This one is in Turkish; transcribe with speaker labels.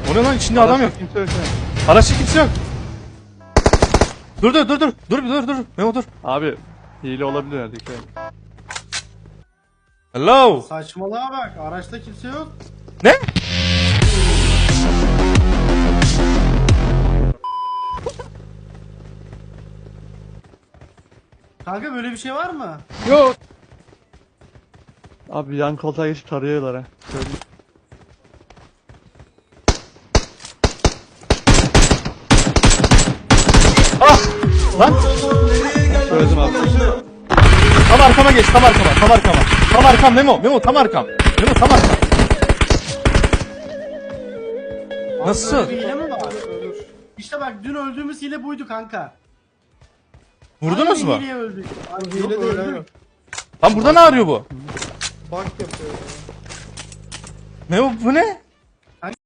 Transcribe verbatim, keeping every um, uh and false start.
Speaker 1: O ne lan, içinde adam yok.
Speaker 2: Kimse yok yani.
Speaker 1: Araçta kimse yok. Dur dur dur dur. Dur dur dur. Memo dur.
Speaker 2: Abi hile olabilir herhalde. dikkat et.
Speaker 1: Hello.
Speaker 3: Saçmalığa bak. Araçta kimse yok.
Speaker 1: Ne?
Speaker 3: Kanka böyle bir şey var mı?
Speaker 1: Yok.
Speaker 2: Abi yan koltuğa geçip tarıyorlar ha. Söyleyeyim.
Speaker 1: Ah! Lan
Speaker 2: Söyledim abi.
Speaker 1: tam arkama geç, tam arkama, tam arkama. Tam arkam Memo, Memo tam arkam. Memo tam arkam. Nasıl?
Speaker 3: Böyle bir hile mi var? İşte bak dün öldüğümüz hile buydu kanka.
Speaker 1: Vurdunuz
Speaker 3: Aynı
Speaker 1: mu?
Speaker 3: hileye öldük. Abi,
Speaker 4: Hile
Speaker 3: yok,
Speaker 4: değil
Speaker 3: öldük.
Speaker 4: abi.
Speaker 1: Lan burada ne arıyor bu?
Speaker 4: Bak yapıyor.
Speaker 1: Memo bu ne?